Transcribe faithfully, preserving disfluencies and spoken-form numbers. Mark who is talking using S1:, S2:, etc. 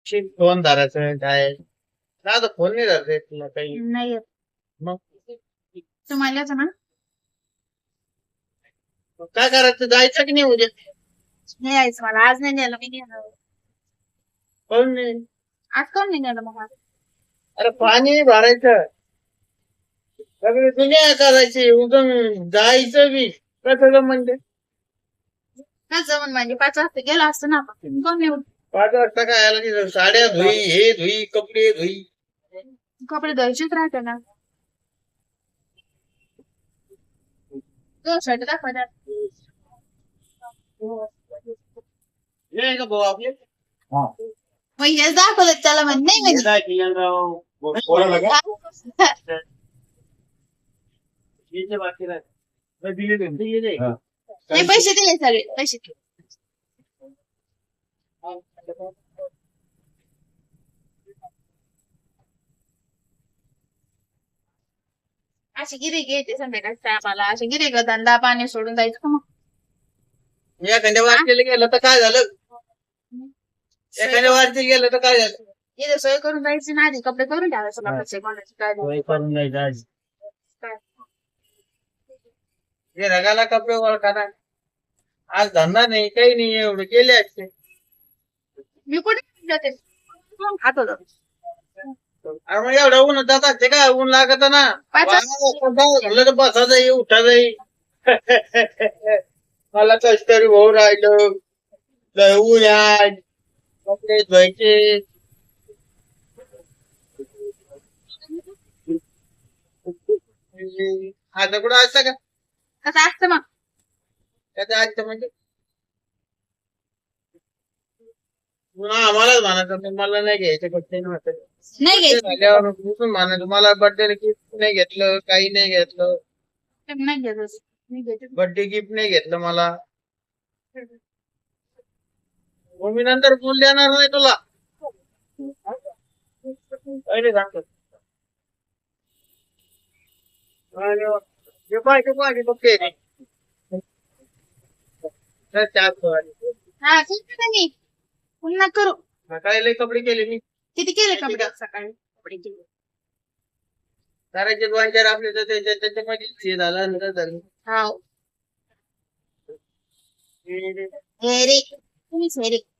S1: Phone धरायचं काय आता फोन नाही धरते तुला काही
S2: नाही येत.
S1: मग
S2: तुम्हाला ना
S1: काय करायचं जायचं की नाही उद्या
S2: नाही यायचं मला आज नाही नेलं मी नेलं
S1: कोण नाही
S2: आज कोण नाही नेलं मग
S1: अरे पाणी भरायचं सगळी दुनिया करायची उगम जायचं बी कसं म्हणजे
S2: काय जमून म्हणजे पाच वाजता गेला असतो ना आपण कोण नाही
S1: पाच वाजता काय आला तिथं साड्या धुई हे धुई कपडे धुई
S2: कपडे धुवायचेच राहते ना तो शर्ट दाखवा त्यात.
S1: हे का भाऊ आपले
S2: मग हेच दाखवलं त्याला म्हण नाही म्हणजे
S1: काय किल्यांराव पोराला का याचे बाकी राहते. मग दिले ते, दिले ते.
S2: नाही पैसे दिले सगळे पैसे असे गिरे घ्यायचे संध्याकाळच्या टायमाला असे गिरे ग धंदा पाणी सोडून जायचं का मग
S1: एखाद्या वाटलेलं गेलं तर काय झालं एखाद्या वाटलेलं गेलं तर काय झालं
S2: इथे सोय करून जायची ना आधी कपडे करून ठेवायचं लोकांचे कोणाची काय नाही.
S1: सोय करून जायचं आज
S2: काय.
S1: हे रगाला कपडे ओळखा आज धंदा नाही काही नाही एवढे केले असते
S2: मी कुठे जाते कोण खात होतं
S1: अरे मग एवढं ऊन जात असते का ऊन लागत ना
S2: पाच
S1: झालं तर बसा जाई उठा जाई मला कस तरी भाऊ राहिलं लय ऊन आहे कपडे धुवायचे आता कुठं असतं का
S2: कसं असतं मग
S1: त्याचं असतं म्हणजे पुन्हा आम्हालाच म्हणायचं पण मला नाही घ्यायचं कपडे नव्हतं
S2: नाही घ्यायचं
S1: झाल्यावर उठून म्हणायचं मला बर्थडे गिफ्ट नाही घेतलं काही नाही घेतलं
S2: नाही घ्यायचं नाही घ्यायचं
S1: बर्थडे गिफ्ट नाही घेतलं मला मग मी नंतर फोन देणार नाही तुला पहिले सांगतो जे पाहिजे पाहिजे बघ ते
S2: हा ठीक आहे मी पुन्हा करू
S1: सकाळी लय कपडे केले मी
S2: किती केले कपडे सकाळी कपडे केले
S1: करायचे दोन चार आपले तर त्याच्या त्याच्यामध्ये हे झालं नंतर झालं
S2: हा हे रे तुम्हीच हे रे